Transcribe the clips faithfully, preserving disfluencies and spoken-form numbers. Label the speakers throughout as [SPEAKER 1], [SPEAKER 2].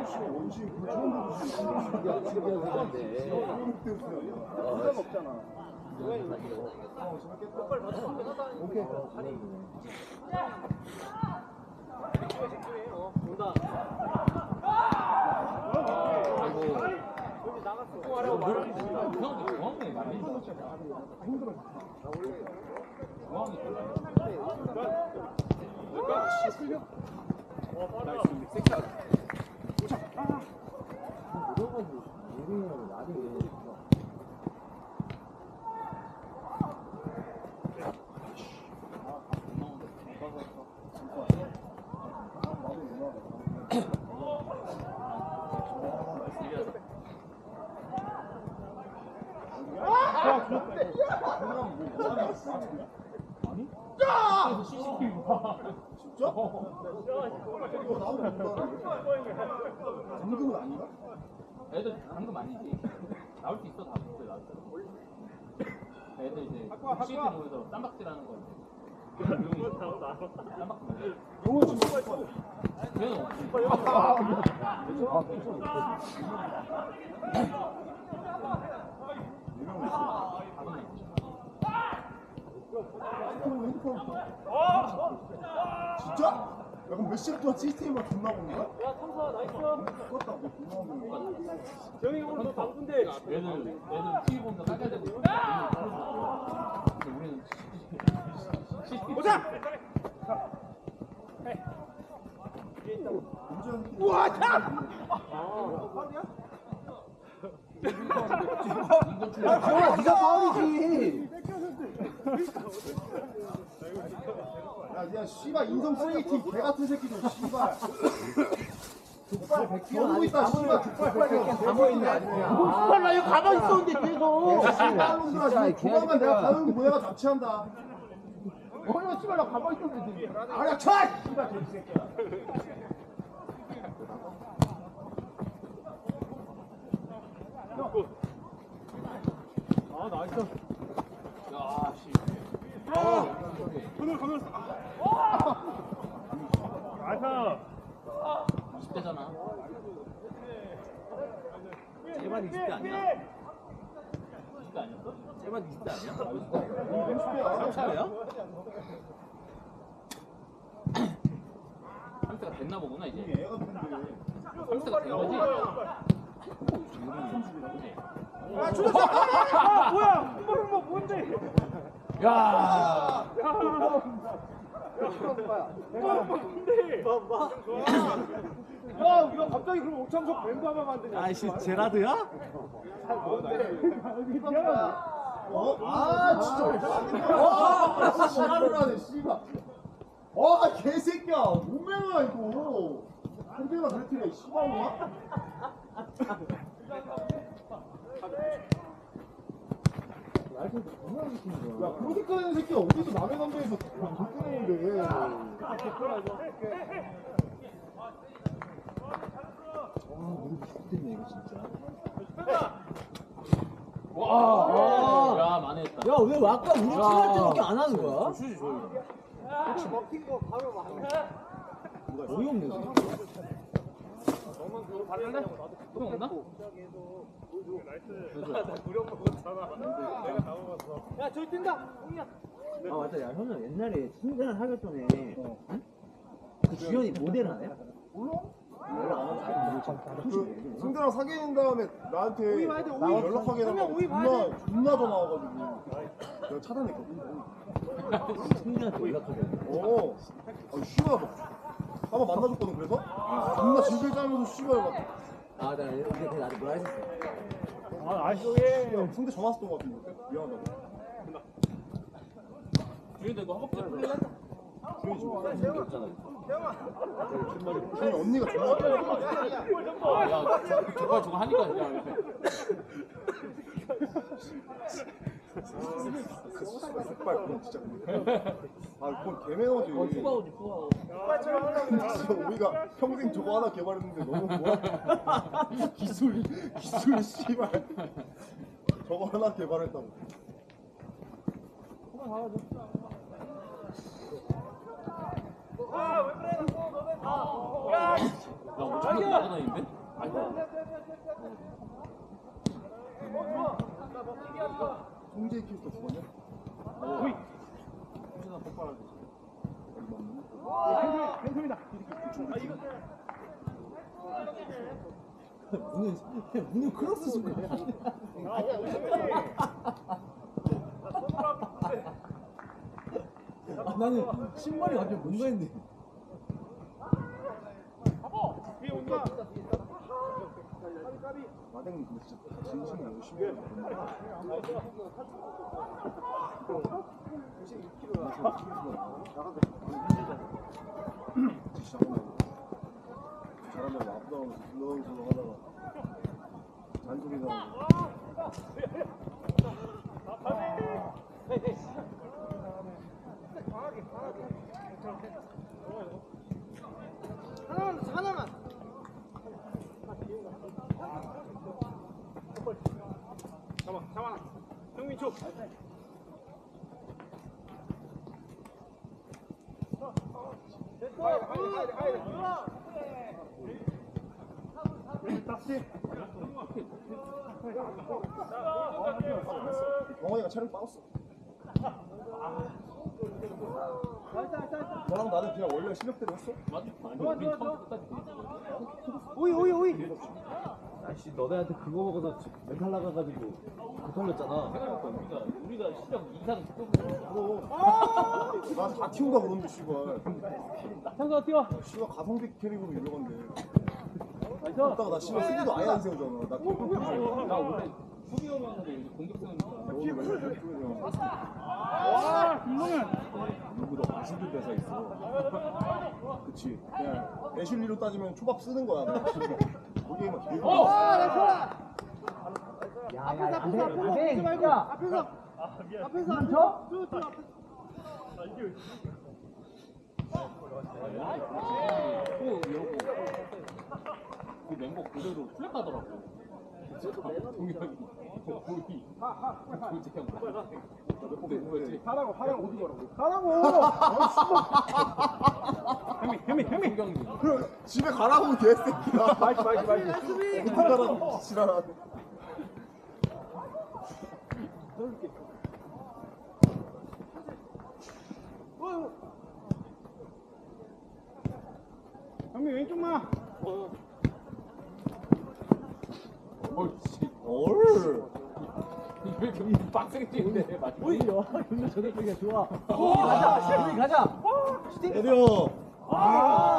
[SPEAKER 1] 원시 그 처음 보고
[SPEAKER 2] 신기하는데.
[SPEAKER 1] 부담 없잖아. 오케이.
[SPEAKER 3] 온다.
[SPEAKER 4] 공항에 많이
[SPEAKER 1] 힘들어.
[SPEAKER 4] 공항이
[SPEAKER 1] 야! 씨씨티비 봐. 진짜? 이거 나오면 뭔가 잠금은 아닌가?
[SPEAKER 4] 애들 방금 아니지. 나올 수 있어 다 있어 나올 수. 애들 이제 씨티 모여서 쌈박질하는 거. 쌈박질.
[SPEAKER 1] 용어 진짜 있어.
[SPEAKER 4] 그래서
[SPEAKER 1] 핸드폰. 진짜? 야 그럼 몇 시간 동안 씨씨티비만 존나 보는 거야?
[SPEAKER 3] 야, 삼사 나이스.
[SPEAKER 1] 죽었다. 뭐 존나 보는 거야?
[SPEAKER 3] 정이 오늘 너 바쁜데.
[SPEAKER 4] 애들 애들 티비 보면서 깔깔 대고 있어. 근데 우리는 씨티
[SPEAKER 3] 보자.
[SPEAKER 1] 우와!
[SPEAKER 2] 야, 지원아, 네가 파울이지.
[SPEAKER 1] 야, 야, 씨발 인성 쓰레기팀 개 같은 새끼들, 씨발. 족발 겨누고 있다, 씨발. 족발 빨리
[SPEAKER 2] 가만히 있는 게 아니야.
[SPEAKER 1] 족발 나 이거 가만히 있었는데 계속. 씨발 놈들아,
[SPEAKER 2] 진짜,
[SPEAKER 1] 지금 조만간
[SPEAKER 2] 개새끼야.
[SPEAKER 1] 내가 가는 모해가 자취한다. 어려 씨발 나 가만히 있었는데 지금. 아니야, 쳐! 씨발 개새끼야.
[SPEAKER 3] 아, 나이스.
[SPEAKER 4] 야 씨.
[SPEAKER 3] 그늘 그늘. 나이스.
[SPEAKER 4] 이십 대잖아.
[SPEAKER 2] 제발 이십 대 아니야?
[SPEAKER 4] 이십 대 아니었어?
[SPEAKER 2] 제발 이십 대 아니야? 삼 차례야?
[SPEAKER 4] 삼 대가 됐나 보구나 이제.
[SPEAKER 1] 애가 누군데.
[SPEAKER 4] 삼 대가 된 거지?
[SPEAKER 3] 아, 죽었어. 아, 뭐야? 이거 뭐 뭔데?
[SPEAKER 4] 야.
[SPEAKER 3] 야. 이거 뭔데? 야, 우리가 갑자기 그럼 오창석 멤버 하면 안 되냐?
[SPEAKER 2] 아이씨, 제라드야?
[SPEAKER 1] 어? 아, 진짜. 와, 지랄을 하네, 씨발. 와, 개새끼야. 몸매가 이거. 한대가 그랬더니, 씨발놈아. 야, 그렇게 하는 새끼가 어디서 남의 담배에서 그렇게 하는데.
[SPEAKER 2] 와, 우리 죽겠네, 이거 진짜.
[SPEAKER 4] 와. 야 만회했다.
[SPEAKER 2] 야, 왜 아까 우리 팀 할 때밖에 안 하는 거야?
[SPEAKER 4] 슛이 좋아.
[SPEAKER 3] 혹시 먹힌 거 바로 막.
[SPEAKER 2] 어이없네, 진짜.
[SPEAKER 3] 너만 그거 발랄래?
[SPEAKER 4] 형 없나?
[SPEAKER 3] 우리 엄마 먹었잖아. 내가 다 먹었어. 야, 저기 뛴다. 홍이야.
[SPEAKER 2] 아, 맞다. 야, 현우 옛날에 승대는 하기 전에 응? 그 주연이 모델 하네?
[SPEAKER 1] 몰라?
[SPEAKER 2] 연락 안 하고
[SPEAKER 1] 그 승대랑 사귀는 다음에 나한테
[SPEAKER 3] 오이 봐야 돼, 오이.
[SPEAKER 1] 나 연락하게
[SPEAKER 3] 그러면
[SPEAKER 1] 해달라고
[SPEAKER 3] 오이 봐야
[SPEAKER 1] 존나 존나 전화 와가지고 내가 차단했거든.
[SPEAKER 2] 승대한테 연락하게.
[SPEAKER 1] 어, 아 씨발 막 한번 만나줬거든. 그래서 존나 진실 짜면서 씨발 막
[SPEAKER 2] 아, 나 근데 걔 나한테 뭐라 했었어.
[SPEAKER 3] 아, 아이씨.
[SPEAKER 1] 야, 승대 전화 왔던 것 같은데 미안하다고.
[SPEAKER 4] 주인도 이거 허벅지 풀릴래?
[SPEAKER 1] 주인이 지금
[SPEAKER 2] 없잖아.
[SPEAKER 1] 주인이 언니가 전화 왔다고.
[SPEAKER 4] 아, 야 저- 저거 저거 하니까 야 이렇게.
[SPEAKER 1] 그 색깔 그건 진짜 아 그건 개매너지.
[SPEAKER 2] 어, 휴가 오지, 휴가 오지.
[SPEAKER 1] 진짜 우리가 평생 저거 하나 개발했는데 너무 뭐야? 기술 기술 씨발 저거 하나 개발했다고.
[SPEAKER 3] 아, 왜 그래?
[SPEAKER 4] 야, 뭐 저기 나가다니는데?
[SPEAKER 1] 송재희 캐스터 죽었냐?
[SPEAKER 3] 오이.
[SPEAKER 1] 혹시나 폭발할 수 있어.
[SPEAKER 3] 팬텀이다.
[SPEAKER 1] 아 이거
[SPEAKER 2] 문은 문은 크로스 줄 거야. 나는 신발이 완전 뭔가 했네.
[SPEAKER 3] 위에 온다.
[SPEAKER 1] 마댕 근데 진짜 진심이 열심히 해야 돼. 잘한다고 아프다고 슬렁슬렁 하다가 잔소리 나고
[SPEAKER 3] 하나만 하나만. 잡아 잡아. 형민 쪽.
[SPEAKER 1] 병원이가 체력 빠졌어. 너랑 나는 그냥 원래 실력대로 했어?
[SPEAKER 4] 맞아. 아니, 우리 처음부터 끝까지
[SPEAKER 3] 오이 오이 오이.
[SPEAKER 2] 아씨 너네한테 그거 먹어서 멘탈 나가가지고 그 털렸잖아.
[SPEAKER 4] 생각해보니까 우리가 우리가 시력 이상 조금
[SPEAKER 1] 나다 튀운다 그러는데 씨발.
[SPEAKER 4] 상가 뛰어.
[SPEAKER 1] 씨발 가성비 캐릭으로 유명한데.
[SPEAKER 4] 나이스.
[SPEAKER 1] 그러다가 나 씨발 수비도 아예 안 세우잖아. 나 그거
[SPEAKER 4] 나 원래 수비 오면서 이제 공격 세우니까.
[SPEAKER 1] 너 오늘 맨날 그렇게 그냥
[SPEAKER 3] 와 김동현.
[SPEAKER 1] 누구도 맛있는 데서 있어. 그치. 그냥 애슐리로 따지면 초밥 쓰는 거야. 거기에만 길고.
[SPEAKER 4] 어!
[SPEAKER 2] 야야
[SPEAKER 3] 앞에서 앞에서 앞에서 말고 앞에서 앞에서 앞에서 쭉 쭉.
[SPEAKER 4] 또 이러고 그 멤버 그대로 플랫 가더라고. 동혁이, 고이, 조재형. 근데 뭐였지?
[SPEAKER 3] 하라고 하라고 어디 가라고 하라고. 형민 형민 형민.
[SPEAKER 4] 동경이.
[SPEAKER 1] 그럼 집에 가라고 개새끼야.
[SPEAKER 3] 마이크 마이크 마이크.
[SPEAKER 1] 어디 가라고 지랄하네.
[SPEAKER 3] 형민 왼쪽만.
[SPEAKER 4] 어이씨.
[SPEAKER 1] 얼.
[SPEAKER 4] 왜 이렇게 빡세게 뛰는데? 맞지?
[SPEAKER 2] 오히려 근데 저격이가 좋아. 가자 우리 가자.
[SPEAKER 1] 때려.
[SPEAKER 2] 아.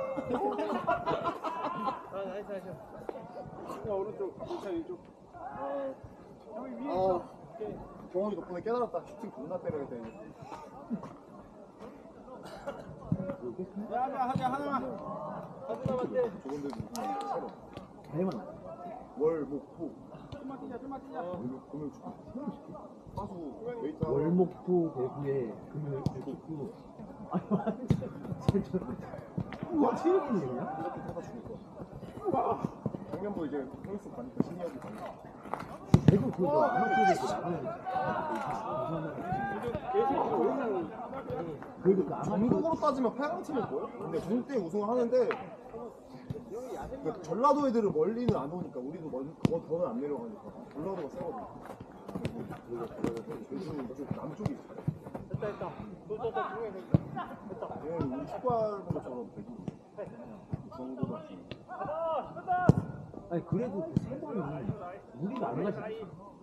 [SPEAKER 3] 나이스 나이스. 야 오른쪽 괜찮아 왼쪽. 아 형이 위에 있어.
[SPEAKER 1] 경원이 덕분에 깨달았다. 슈팅 존나 때려야 돼.
[SPEAKER 3] 야 하자 하자 하나만. 하나 맞대.
[SPEAKER 1] 저건데도 그냥 새로.
[SPEAKER 2] 대만.
[SPEAKER 1] 월목토.
[SPEAKER 3] 좀만 뛰자 좀만 뛰자.
[SPEAKER 1] 월목 금요 축구. 파수 웨이트 하고.
[SPEAKER 2] 월목토 대구에 금요일 축구. 아니 완전 진짜 우와 체육인이냐?
[SPEAKER 1] 이렇게 타다 죽을 거야. 작년도 이제 프로스 가니까 신이하고 가니까.
[SPEAKER 2] 대구 그거 아마추어에서 나가는 그래도 그 아마추어
[SPEAKER 1] 전국으로 따지면 팔 강팀일 거예요? 근데 중국 때 우승을 하는데 그 전라도 애들은 멀리는 안 오니까 우리도 멀, 더 더는 안 내려가니까 전라도가 세거든. 그리고 이쪽 남쪽이 잘해.
[SPEAKER 3] 됐다 됐다. 너너너 중에 됐다. 됐다.
[SPEAKER 1] 얘는 우리 축구하는 것처럼 되게 그 정도다.
[SPEAKER 2] 아니 그래도 그 세 번이 우리가 안 가지.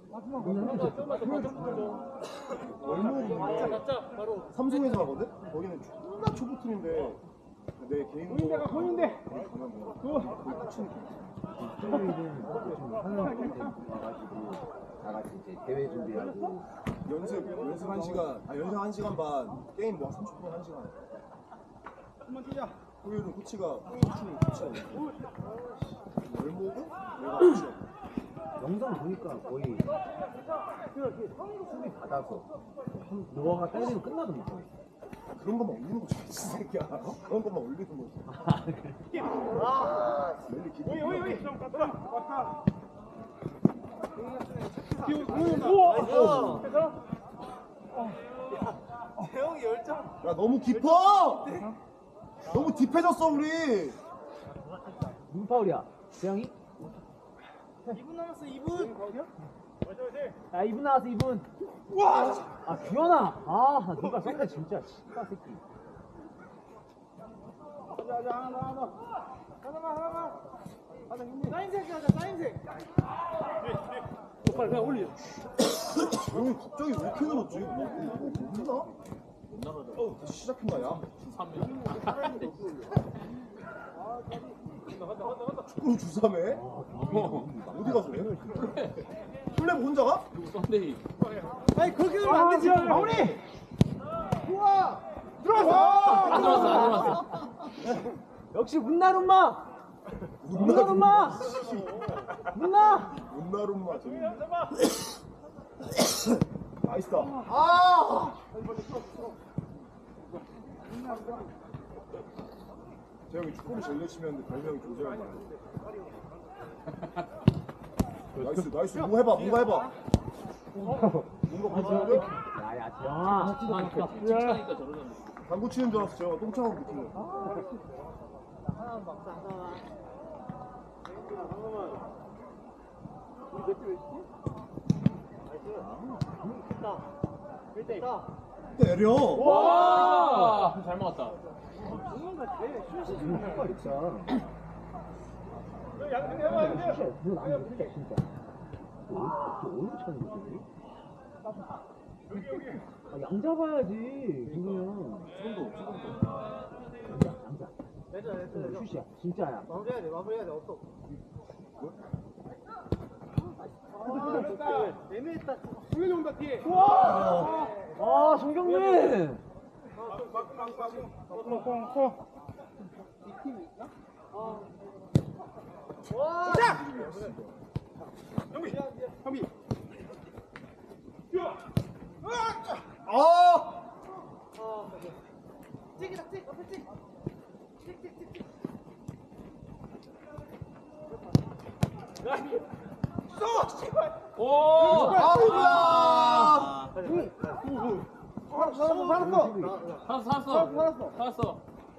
[SPEAKER 1] 월목이 삼성에서 하거든? 거기는 존나 초보팀인데 내 개인적으로
[SPEAKER 3] 본인대가 본인대.
[SPEAKER 1] 가면 뭐 거의 끝이는
[SPEAKER 2] 토요일은 좀 하나씩 와가지고 다 같이 이제 대회 준비하고
[SPEAKER 1] 연습 연습 한 시간 아 연습 한 시간 반 게임 뭐 삼십 분 한 시간.
[SPEAKER 3] 한번 뛰자.
[SPEAKER 1] 토요일은 코치가 코치는 코치야. 월목은 내가 코치야.
[SPEAKER 2] 영상 보니까 거의 수비 받아서 노아가 때리면 끝나던데.
[SPEAKER 1] 그런 것만 올리는 거지 이 새끼야. 그런 것만 올리는 거지. 맨날 기분
[SPEAKER 3] 오이 오이 오이. 좀 갔다 왔다.
[SPEAKER 1] 우와!
[SPEAKER 3] 대형이 열정.
[SPEAKER 1] 야 너무 깊어! 너무 딥해졌어 우리.
[SPEAKER 2] 누구 파울이야? 재영이?
[SPEAKER 3] 이 분 남았어 이 분.
[SPEAKER 2] 야 이 분 나왔어 이 분. 와! 아 규현아! 아 누가 썼네 진짜 씨발 새끼.
[SPEAKER 3] 가자 가자 하나 더 하나 더. 하나만 하나만. 가자 형님. 사인색 하자 사인색. 빨리 그냥 올려.
[SPEAKER 1] 형 갑자기 왜 이렇게 늘었지? 뭐, 뭐, 뭐 모르나?
[SPEAKER 4] 못 나가죠.
[SPEAKER 1] 어 다시 시작했나 야?
[SPEAKER 4] 삼 명.
[SPEAKER 1] 축구로 주삼해? 어디 가서 해? 플레이 혼자가?
[SPEAKER 4] 그리고 썬데이.
[SPEAKER 3] 아니 거기 들면 안 되지. 마무리. 우와. 들어왔어.
[SPEAKER 4] 안 들어왔어 안 들어왔어.
[SPEAKER 2] 역시 문나룸마! 문나룸마! 문나!
[SPEAKER 1] 문나룸마 재밌네. 나이스다. 아! 재영이 축구를 제일 열심히 하는데 별명이 조재현이야. 나이스 나이스 뭐 해봐 뭔가 해봐. 뭔가 보여주는데?
[SPEAKER 2] 야야 재영아
[SPEAKER 4] 칭찬하니까 저러는데.
[SPEAKER 1] 당구 치는 줄 알았어 재영아 똥차고 느끼네. 때려.
[SPEAKER 4] 와! 잘 먹었다.
[SPEAKER 2] 양 잡아야지 그러면
[SPEAKER 4] 지금도 지금도.
[SPEAKER 2] 양자 양자
[SPEAKER 3] 내자 내자 내자.
[SPEAKER 2] 슛이야 진짜야
[SPEAKER 3] 마무리해야 돼 마무리해야 돼 없어. 애매했다. 승현이 온다 뒤에. 우와.
[SPEAKER 2] 아 송경민
[SPEAKER 3] 자. 형비 형비.
[SPEAKER 1] 아!
[SPEAKER 3] 찍이다 찍 앞에 찍. 찍찍찍찍. 쏘! 씨발!
[SPEAKER 4] 오!
[SPEAKER 1] 아이고야!
[SPEAKER 3] 살았어 살았어
[SPEAKER 4] 살았어 살았어. 살았어.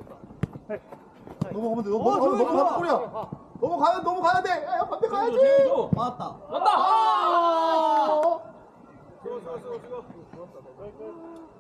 [SPEAKER 1] 넘어가면 돼. 넘어가면 넘어가면 골이야. 넘어가야 넘어가야 돼. 야, 반대 가야지.
[SPEAKER 4] 재밌어.
[SPEAKER 2] 맞다
[SPEAKER 4] 맞다.
[SPEAKER 1] 아!
[SPEAKER 3] 좋아 좋아 좋아 좋아.